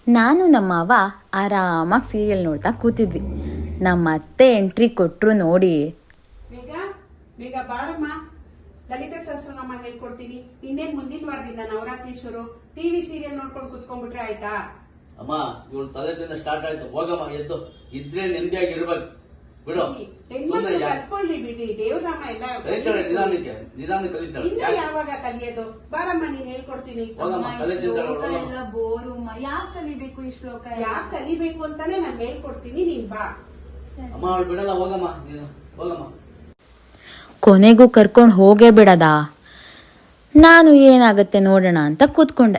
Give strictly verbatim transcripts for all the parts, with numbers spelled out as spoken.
ನಾನು ನಮ್ಮ ಅವ್ವ ಆರಾಮಾಗಿ ಸೀರಿಯಲ್ ನೋಡ್ತಾ ಕೂತಿದ್ವಿ. ನಮ್ಮ ಅತ್ತೆ ಎಂಟ್ರಿ ಕೊಟ್ಟರು ನೋಡಿ, ಬೇಗ ಬೇಗ ಬಾರಮ್ಮ, ಲಲಿತಾ ಸಹಸ್ರನಾಮ ಹೇಳ್ಕೊಡ್ತೀನಿ. ಇನ್ನೇನ್ ಮುಂದಿನ ವಾರದಿಂದ ನವರಾತ್ರಿ ಶುರು. ಟಿವಿ ಸೀರಿಯಲ್ ನೋಡ್ಕೊಂಡು ಕುತ್ಕೊಂಡ್ಬಿಟ್ರೆ ಆಯ್ತಾ? ಅಮ್ಮ ಇವಳು ತಲೆದಿಂದ ಸ್ಟಾರ್ಟ್ ಆಯ್ತು. ಹೋಗಮ್ಮ, ಎದ್ದು ಇದ್ರೆ ನೆಮ್ಮದಿಯಾಗಿ ಇರ್ಬೇಕು. ಬಿಡು, ಕತ್ಕೊಳ್ಳಿ ಬಿಡಿ. ದೇವ್ರಾಮ ಎಲ್ಲ ನಿಧಾನಕ್ಕೆ ನಿಧಾನ ಕಲಿತಾಳೆ. ಇನ್ನ ಯಾವಾಗ ಕಲಿಯೋದು? ಬಾರಮ್ಮ, ನೀನ್ ಹೇಳ್ಕೊಡ್ತೀನಿ. ಎಲ್ಲ ಬೋರು. ಯಾಕೆ ಕಲಿಬೇಕು ಈ ಶ್ಲೋಕ? ಯಾಕೆ ಕಲಿಬೇಕು ಅಂತಾನೆ ನಾನು ಹೇಳ್ಕೊಡ್ತೀನಿ, ನೀನ್ ಬಾ. ಅಮ್ಮ ಅವಳು ಬಿಡಲ್ಲ, ಹೋಗಮ್ಮ ನೀನು ಹೋಗಮ್ಮ. ಕೊನೆಗೂ ಕರ್ಕೊಂಡು ಹೋಗೇ ಬಿಡದ. ನಾನು ಏನಾಗತ್ತೆ ನೋಡೋಣ ಅಂತ ಕೂತ್ಕೊಂಡೆ.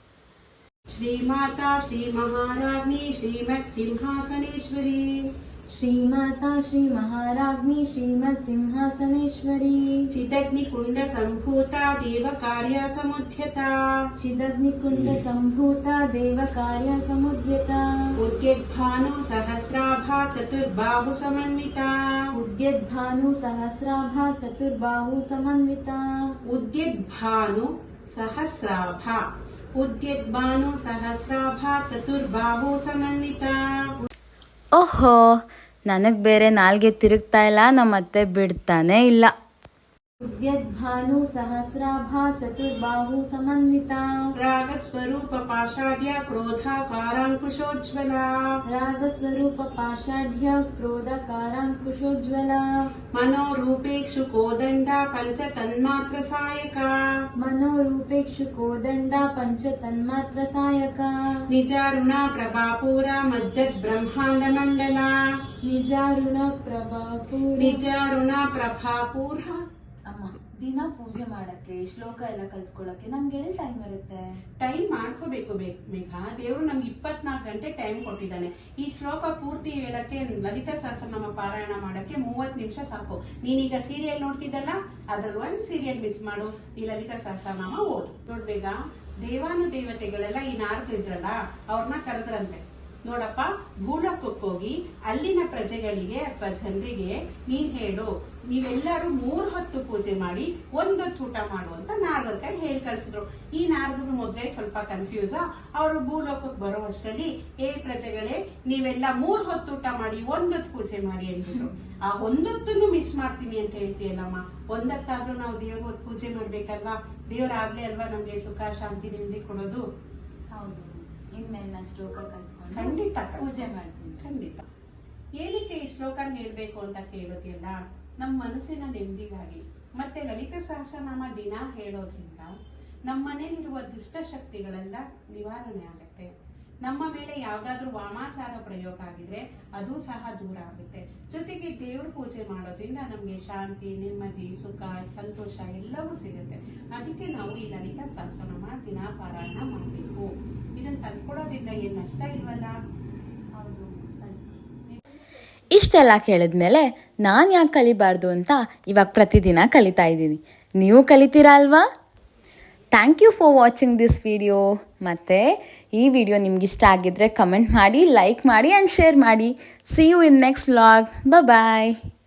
ಶ್ರೀಮಾತಾ ಶ್ರೀ ಮಹಾರಾಜ್ಞಿ ಶ್ರೀಮತ್ ಸಿಂಹಾಸನೇಶ್ವರಿ. ಶ್ರೀಮಾತಾ ಶ್ರೀ ಮಹಾರಾಜ್ಞಿ ಶ್ರೀಮತ್ ಸಿಂಹಾಸನೇಶ್ವರಿ. ಚಿದಗ್ನಿಕುಂಡ ಸಂಭೂತ ದೇವ ಕಾರ್ಯ ಸಮುದ್ಯತ. ಚಿದಗ್ನಿಕುಂಡ ಸಂಭೂತ ದೇವ ಕಾರ್ಯ ಸಮುದ್ಯತ. ಉದ್ಯದ್ಭಾನು ಸಹಸ್ರಾಭ ಚತುರ್ಬಾಹು ಸಮನ್ವಿತ. ಉದ್ಯದ್ಭಾನು ಸಹಸ್ರಾಭ ಚತುರ್ಬಾಹು ಸಮನ್ವಿತ. ಉದ್ಯದ್ಭಾನು ಸಹಸ್ರಾಭ ಉದ್ಯದ್ಭಾನು ಸಹಸ್ರಾಭ ಚತುರ್ಬಾಹು ಸಮನ್ವಿತ. ಓಹೋ, ನನಗ್ ಬೇರೆ ನಾಲ್ಗೆ ತಿರುಗ್ತಾ ಇಲ್ಲ, ನಮ್ಮತ್ತೆ ಬಿಡ್ತಾನೆ ಇಲ್ಲ. ಉದ್ಯದ್ಭಾನು ಸಹಸ್ರಾಭ ಚತುರ್ಬಾಹು ಸಮನ್ವಿತ. ರಾಗಸ್ವರೂಪ ಪಾಷಾಢ್ಯ ಕ್ರೋಧಾಕಾರಾಂಕುಶೋಜ್ವಲ. ರಾಗಸ್ವರೂಪ ಪಾಷಾಢ್ಯ ಕ್ರೋಧಕಾರಾಂಕುಶೋಜ್ವಲ. ಮನೋರೂಪೇಕ್ಷು ಕೋದಂಡ ಪಂಚ ತನ್ಮಾತ್ರ ಸಾಯಕ. ಮನೋರೂಪೇಕ್ಷು ಕೋದಂಡ ಪಂಚ ತನ್ಮಾತ್ರ ಸಾಯಕ. ನಿಜಾರುಣ ಪ್ರಭಾಪೂರ ಮಜ್ಜದ್ ಬ್ರಹ್ಮಾಂಡ ಮಂಡಲ. ನಿಜಾರುಣ ಪ್ರಭಾಪೂರ ನಿಜಾರುಣ ಪ್ರಭಾಪೂರ. ಅಮ್ಮ, ದಿನ ಪೂಜೆ ಮಾಡಕ್ಕೆ ಶ್ಲೋಕ ಎಲ್ಲ ಕಲ್ತ್ಕೊಳಕ್ಕೆ ನಮ್ಗೆ ಎಲ್ಲಿ ಟೈಮ್ ಇರುತ್ತೆ? ಟೈಮ್ ಮಾಡ್ಕೋಬೇಕು ಮೇಘ. ದೇವ್ರು ನಮ್ಗೆ ಇಪ್ಪತ್ನಾಲ್ಕು ಗಂಟೆ ಟೈಮ್ ಕೊಟ್ಟಿದ್ದಾನೆ. ಈ ಶ್ಲೋಕ ಪೂರ್ತಿ ಹೇಳಕ್ಕೆ, ಲಲಿತಾ ಸಹಸ್ರನಾಮ ಪಾರಾಯಣ ಮಾಡಕ್ಕೆ ಮೂವತ್ ನಿಮಿಷ ಸಾಕು. ನೀನೀಗ ಸೀರಿಯಲ್ ನೋಡ್ತಿದ್ದಲ್ಲ, ಅದ್ರಲ್ಲಿ ಒಂದ್ ಸೀರಿಯಲ್ ಮಿಸ್ ಮಾಡು, ಈ ಲಲಿತಾ ಸಹಸ್ರನಾಮ ಓದು. ನೋಡ್ಬೇಗ, ದೇವಾನು ದೇವತೆಗಳೆಲ್ಲ ಈ ನಾರದ್ರು ಇದ್ರಲ್ಲ, ಅವ್ರನ್ನ ಕರೆದ್ರಂತೆ. ನೋಡಪ್ಪ, ಭೂಲೋಕಕ್ಕೆ ಹೋಗಿ ಅಲ್ಲಿನ ಪ್ರಜೆಗಳಿಗೆ ಅಥವಾ ಜನರಿಗೆ ನೀನ್ ಹೇಳು, ನೀವೆಲ್ಲರೂ ಮೂರ್ ಹೊತ್ತು ಪೂಜೆ ಮಾಡಿ ಒಂದೊತ್ತು ಊಟ ಮಾಡು ಅಂತ ನಾರದ್ರ ಕೈ ಹೇಳಿ ಕಳ್ಸಿದ್ರು. ಈ ನಾರದ್ರು ಮೊದ್ಲೇ ಸ್ವಲ್ಪ ಕನ್ಫ್ಯೂಸ್. ಅವರು ಭೂಲೋಕಕ್ಕೆ ಬರೋ ಅಷ್ಟರಲ್ಲಿ, ಏ ಪ್ರಜೆಗಳೇ, ನೀವೆಲ್ಲ ಮೂರ್ ಹೊತ್ತು ಊಟ ಮಾಡಿ ಒಂದೊತ್ತು ಪೂಜೆ ಮಾಡಿ ಅಂತಿದ್ರು. ಆ ಒಂದೊತ್ತನ್ನು ಮಿಸ್ ಮಾಡ್ತೀನಿ ಅಂತ ಹೇಳ್ತೀಯಲ್ಲಮ್ಮ, ಒಂದತ್ತಾದ್ರೂ ನಾವು ದೇವ್ರ ಹೊತ್ತು ಪೂಜೆ ಮಾಡ್ಬೇಕಲ್ವಾ? ದೇವ್ರಾಗ್ಲೇ ಅಲ್ವಾ ನಮ್ಗೆ ಸುಖ ಶಾಂತಿ ನೆಮ್ಮದಿ ಕೊಡೋದು. ಹೌದು, ಇನ್ಮೇಲೆ ನಾನು ಶ್ಲೋಕ ಕಲ್ತ್ಕೊಂಡು ಖಂಡಿತ ಪೂಜೆ ಮಾಡ್ತೀನಿ. ಖಂಡಿತ. ಏನಕ್ಕೆ ಈ ಶ್ಲೋಕ ಹೇಳ್ಬೇಕು ಅಂತ ಕೇಳೋದಿಲ್ಲ, ನಮ್ಮ ಮನಸ್ಸಿನ ನೆಮ್ಮದಿಗಾಗಿ. ಮತ್ತೆ ಲಲಿತಾ ಸಹಸ್ರನಾಮ ದಿನ ಹೇಳೋದ್ರಿಂದ ನಮ್ಮ ಮನೇಲಿರುವ ದುಷ್ಟ ಶಕ್ತಿಗಳೆಲ್ಲ ನಿವಾರಣೆ ಆಗುತ್ತೆ. ನಮ್ಮ ಮೇಲೆ ಯಾವ್ದಾದ್ರು ವಾಮಾಚಾರ ಪ್ರಯೋಗ ಆಗಿದ್ರೆ ಅದು ಸಹ ದೂರ ಆಗುತ್ತೆ. ಜೊತೆಗೆ ದೇವ್ರ ಪೂಜೆ ಮಾಡೋದ್ರಿಂದ ನಮ್ಗೆ ಶಾಂತಿ, ನೆಮ್ಮದಿ, ಸುಖ, ಸಂತೋಷ ಎಲ್ಲವೂ ಸಿಗುತ್ತೆ. ಅದಕ್ಕೆ ನಾವು ಈ ಲಲಿತಾ ಸಹಸ್ರನಾಮ ದಿನ ಪಾರಾಯಣ ಮಾಡಬೇಕು. ಇದನ್ನ ಕಲ್ತ್ಕೊಳ್ಳೋದ್ರಿಂದ ಏನ್ ನಷ್ಟ ಇಲ್ವಲ್ಲ? ಹೌದು. ಇಷ್ಟೆಲ್ಲ ಕೇಳಿದ್ಮೇಲೆ ನಾನು ಯಾಕೆ ಕಲಿಬಾರ್ದು ಅಂತ ಇವಾಗ ಪ್ರತಿದಿನ ಕಲಿತಾ ಇದ್ದೀನಿ. ನೀವು ಕಲಿತೀರಾ ಅಲ್ವಾ? Thank you for watching this video. ಮತ್ತು ಈ ವಿಡಿಯೋ ನಿಮ್ಗೆ ಇಷ್ಟ ಆಗಿದ್ರೆ ಕಮೆಂಟ್ ಮಾಡಿ, ಲೈಕ್ ಮಾಡಿ ಆ್ಯಂಡ್ ಶೇರ್ ಮಾಡಿ. See you in next vlog. Bye.